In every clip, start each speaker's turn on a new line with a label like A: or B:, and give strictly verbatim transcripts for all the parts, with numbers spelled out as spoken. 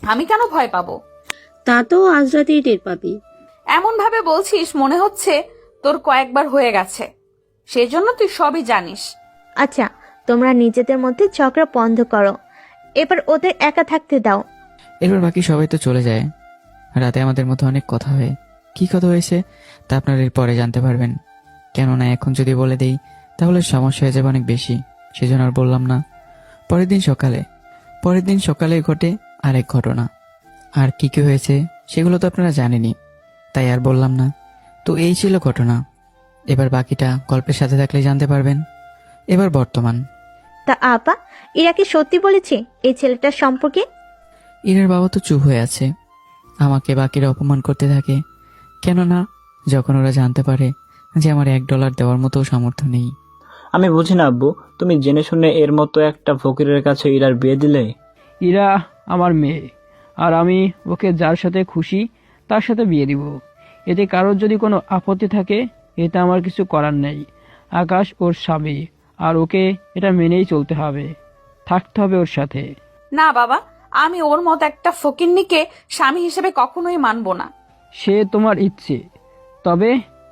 A: আমি কেন ভয় পাবো?
B: তা তো আজ রাতেই টের পাবি।
A: এমন ভাবে বলছিস মনে হচ্ছে তোর কয়েকবার হয়ে গেছে, সেই জন্য তুই সবই জানিস।
C: আচ্ছা, তোমরা নিজেদের মধ্যে ঝগড়া বন্ধ করো, এবার ওদের একা থাকতে দাও।
D: এরপর বাকি সবাই তো চলে যায়। রাতে আমাদের মধ্যে অনেক কথা হয়। কি কথা হয়েছে তা আপনারা এর পরে জানতে পারবেন, কেননা এখন যদি বলে দেই তাহলে সমস্যা হয়ে যাবে অনেক বেশি, সেজন্য আর বললাম না। পরের দিন সকালে পরের দিন সকালে ঘটে আরেক ঘটনা। আর কি কি হয়েছে সেগুলো তো আপনারা জানেনই, তাই আর বললাম না। তো এই ছিল ঘটনা। এবার বাকিটা গল্পের সাথে থাকলে জানতে পারবেন। এবার বর্তমান।
C: তা আপা, এরা কি সত্যি বলেছে এই ছেলেটার সম্পর্কে?
D: ইরার বাবা তো চুপ হয়ে আছে, আমাকে বাকিরা অপমান করতে থাকে। কেননা যখন ওরা জানতে পারে যে আমার এক ডলার দেওয়ার মতো সামর্থ্য নেই।
E: আমি বুঝি না আব্বু, তুমি জেনে শুনে এর মতো একটা ফকিরের কাছে ইরার বিয়ে দিলে।
F: ইরা আমার মেয়ে, আর আমি ওকে যার সাথে খুশি তার সাথে বিয়ে দিব। এতে কারোর যদি কোনো আপত্তি থাকে এতে আমার কিছু করার নেই। আকাশ ওর স্বামী, আর ওকে এটা মেনেই চলতে হবে, থাকতে হবে ওর সাথে।
A: না বাবা, আমি ওর মতো একটা ফকিন্নিকে স্বামী হিসেবে কখনোই মানবো না।
F: সে তোমার ইচ্ছে, তবে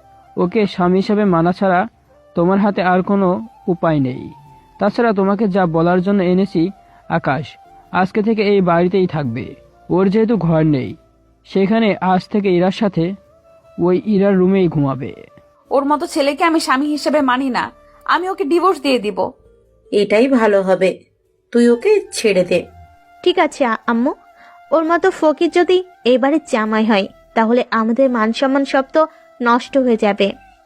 F: ওকে স্বামী হিসাবে মানা ছাড়া তোমার হাতে আর কোনো উপায় নেই। তাছাড়া তোমাকে যা বলার জন্য এনেছি, আকাশ আজকে থেকে এই বাড়িতেই থাকবে। ওর যেহেতু ঘর নেই, সেখানে আজ থেকে ইরার সাথে ওই ইরার রুমেই ঘুমাবে।
A: ওর মতো ছেলেকে আমি স্বামী হিসেবে মানি না, আমি ওকে ডিভোর্স দিয়ে দিব।
G: এটাই ভালো হবে, তুই ওকে ছেড়ে দে।
C: ঠিক আছে আম্মু, ওর মতো ফকির যদি এবারে জামাই হয় তাহলে আমাদের মান সম্মান সব তো নষ্ট হয়ে যাবে।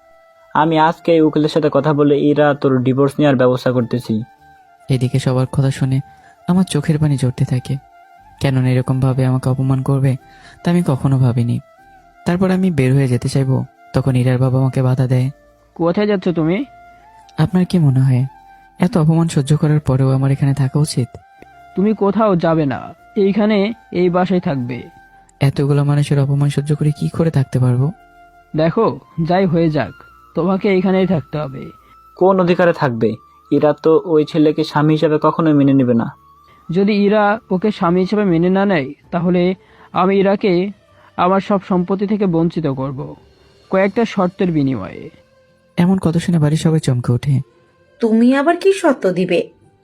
E: আমি আজকে এই উকিলের সাথে কথা বলে ইরা তোর ডিভোর্স নেওয়ার ব্যবস্থা করতেছি।
D: এদিকে সবার কথা শুনে আমার চোখের পানি ঝরতে থাকে। কেননা এরকম ভাবে আমাকে অপমান করবে তা আমি কখনো ভাবিনি। তারপর আমি বের হয়ে যেতে চাইবো, তখন ইরার বাবা আমাকে বাধা দেয়।
F: কোথায় যাচ্ছ তুমি?
D: আপনার কি মনে হয় এত অপমান সহ্য করার পরেও আমার এখানে থাকা উচিত?
F: তুমি কোথাও যাবে না, এইখানে এই বাসায় থাকবে।
D: এতগুলো মানুষের অপমান সহ্য করে কি করে থাকতে পারবো?
F: দেখো, যাই হয়ে যাক, তোমাকে এইখানেই থাকতে হবে।
E: কোন অধিকারে থাকবে? ইরা তো ওই ছেলেকে স্বামী হিসাবে কখনোই মেনে নেবে না।
F: যদি ইরা ওকে স্বামী হিসেবে মেনে না নেয় তাহলে আমি ইরাকে আমার সব সম্পত্তি থেকে বঞ্চিত করব, কয়েকটা শর্তের বিনিময়ে।
D: এমন কথা শুনে বাড়ির সবাই চমকে ওঠে।
G: তুমি আবার কি শর্ত দিবে?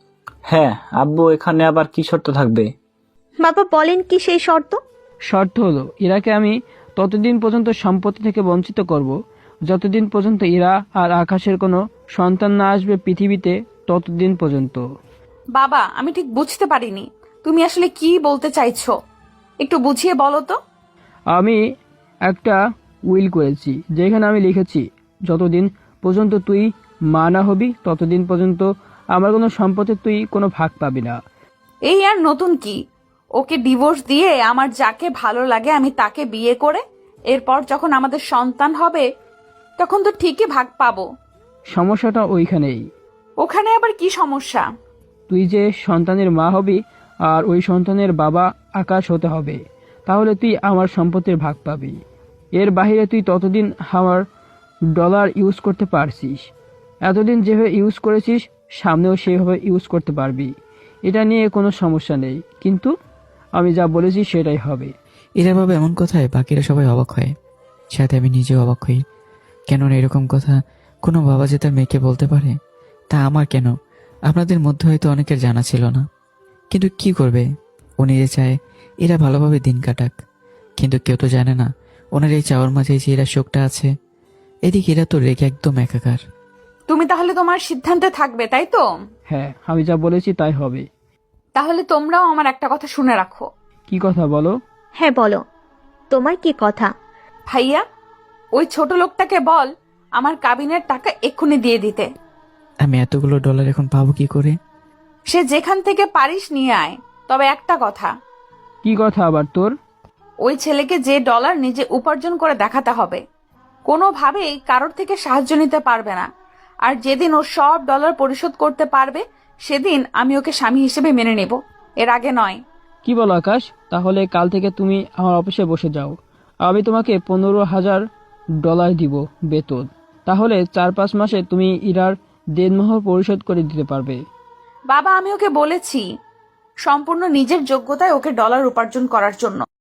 E: হ্যাঁ আব্বু, এখানে আবার কি শর্ত থাকবে?
C: বাবা বলেন কি সেই শর্ত?
F: শর্ত হলো ইরাকে আমি ততদিন পর্যন্ত সম্পত্তি থেকে বঞ্চিত করব যতদিন পর্যন্ত ইরা আর আকাশের কোনো সন্তান না আসবে পৃথিবীতে, ততদিন পর্যন্ত।
A: বাবা, আমি ঠিক বুঝতে পারিনি তুমি আসলে কি বলতে চাইছো, একটু বুঝিয়ে বলো তো।
F: আমি একটা উইল করেছি যেখানে আমি লিখেছি যতদিন পর্যন্ত তুই মা না হবি ততদিন পর্যন্ত আমার কোনো সম্পত্তি তুই কোনো ভাগ পাবি না।
A: এই আর নতুন কি? ওকে ডিভোর্স দিয়ে আমার যাকে ভালো লাগে আমি তাকে বিয়ে করে এরপর যখন আমাদের সন্তান হবে তখন তো ঠিকই ভাগ পাবো।
F: সমস্যাটা ওইখানেই।
A: ওখানে আবার কি সমস্যা?
F: তুই যে সন্তানের মা হবি আর ওই সন্তানের বাবা আকাশ হতে হবে, তাহলে তুই আমার সম্পত্তির ভাগ পাবি। এর বাইরে তুই ততদিন আমার ডলার ইউজ করতে পারছিস, এতদিন যেভাবে ইউজ করেছিস সামনেও সেভাবে ইউজ করতে পারবি। এটা নিয়ে কোনো সমস্যা নেই, কিন্তু আমি যা বলেছি সেটাই হবে।
D: ইরার বাবা এমন কথায় বাকিরা সবাই অবাক হয়, সাথে আমি নিজেও অবাক হই। কেননা এরকম কথা কোনো বাবা যে তার মেয়েকে বলতে পারে তা আমার কেন, আপনাদের মধ্যে হয়তো অনেকের জানা ছিল না। কিন্তু কি করবে, উনি যে চায় এরা ভালোভাবে দিন কাটাক, কিন্তু কেউ তো জানে না ওনার এই চাওয়ার মাঝে যে এরা শোকটা আছে। এদিকে এরা তো রেগে একদম একাকার।
A: তুমি তাহলে তোমার সিদ্ধান্তে থাকবে, তাই তো?
F: হ্যাঁ, আমি যা বলেছি তাই হবে।
A: তাহলে তোমরাও আমার একটা কথা শুনে রাখো।
F: কি কথা বলো?
C: হ্যাঁ বলো, তোমার কি কথা?
A: ভাইয়া, ওই ছোট লোকটাকে বল আমার কাবিনের টাকা এক্ষুনি দিয়ে দিতে।
D: আমি এতগুলো ডলার এখন পাবো কি করে?
A: সে যেখান থেকে পারিস নিয়ে আয়, তবে একটা কথা।
F: কি কথা আবার তোর?
A: ওই ছেলেকে যে ডলার নিজে উপার্জন করে দেখাতে হবে, কোনোভাবেই কারোর থেকে সাহায্য নিতে পারবে না। আর যেদিন ও সব ডলার পরিশোধ করতে পারবে সেদিন আমি ওকে স্বামী হিসেবে মেনে নেব, এর আগে নয়।
F: কি বলো আকাশ? তাহলে কাল থেকে তুমি আমার অফিসে বসে যাও, আমি তোমাকে পনেরো হাজার ডলার দিব বেতন। তাহলে চার পাঁচ মাসে তুমি ইরার দেনমোহর পরিশোধ করে দিতে পারবে।
A: বাবা, আমি ওকে বলেছি সম্পূর্ণ নিজের যোগ্যতায় ওকে ডলার উপার্জন করার জন্য।